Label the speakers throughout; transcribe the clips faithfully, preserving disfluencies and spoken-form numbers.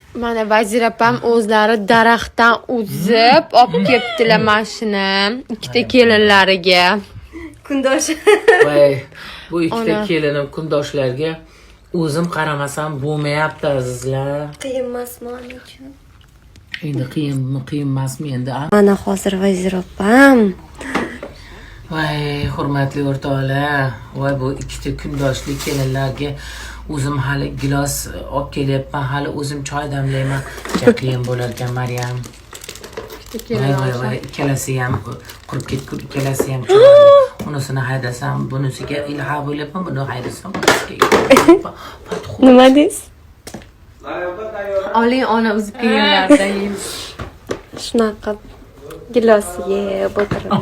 Speaker 1: Mana Vazir opam o'zlari daraxtdan uzib olib kelibdilar mashina ikkita kelinlariga.
Speaker 2: Kundosh.
Speaker 3: Voy, bu ikkita kelinim kundoshlarga o'zim qaramasam bo'lmayapti azizlar.
Speaker 2: Qiyin emasmi uning uchun?
Speaker 3: Endi qiyinmi, qiyin emasmi endi?
Speaker 2: Mana hozir Vazir opam.
Speaker 3: Voy, hurmatli o'rtoqlar, voy bu ikkita kundoshli kelinlarga o'zim hali gilos olib kelyapman, hali o'zim choy damlayman. Qiyin bo'lar ekan Maryam. Voy voy voy, ikkalasi ham qurib ketgur, ikkalasi ham chiroyli. Unisini haydasam, bunisiga ilha bo'lyapman, buni haydasam, bunisiga.
Speaker 2: Nima deysiz?
Speaker 1: Oling ona uzib kelganlardan yeymiz.
Speaker 2: Shunaqa gilosiga yeb o'tirib.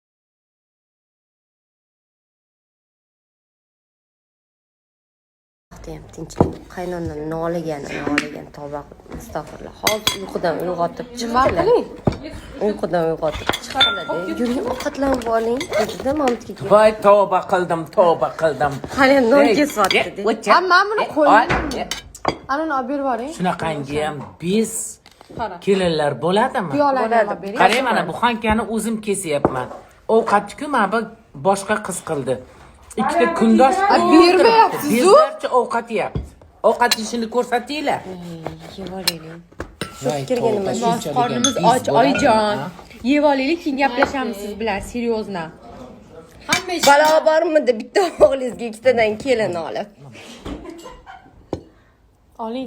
Speaker 2: Ham tinchlik qaynonam noligan noligan tovoq astag'firullah hozir uyqudan uyg'otib chiqarlar uyqudan uyg'otib chiqarlar yuring ovqatlanib oling dedi mamtga
Speaker 3: voy tavba qildim tavba qildim
Speaker 2: hali non kesyapti dedi
Speaker 1: Ha, men buni qo'ydim. Ana uni olib berib yuboring.
Speaker 3: shunaqangi ham biz kelinlar bo'ladimi?
Speaker 1: Piyolarni olib bering.
Speaker 3: qarang mana bu xankani o'zim kesyapman. Ovqatni mana bu boshqa qiz qildi. Ikkita kundosh
Speaker 1: bermayapsiz-ku.
Speaker 3: Bizlarcha ovqat yeyapti. Ovqat yeyishini ko'rsatinglar.
Speaker 2: yeb olaylik shu fikirga nima
Speaker 1: Bosh qornimiz och, oyijon. Yeb olaylik, keyin gaplashamiz siz bilan, seriozna. Hamma ish
Speaker 2: balo bormidi bitta o'g'lingizga ikkitadan kelin olib
Speaker 1: oling.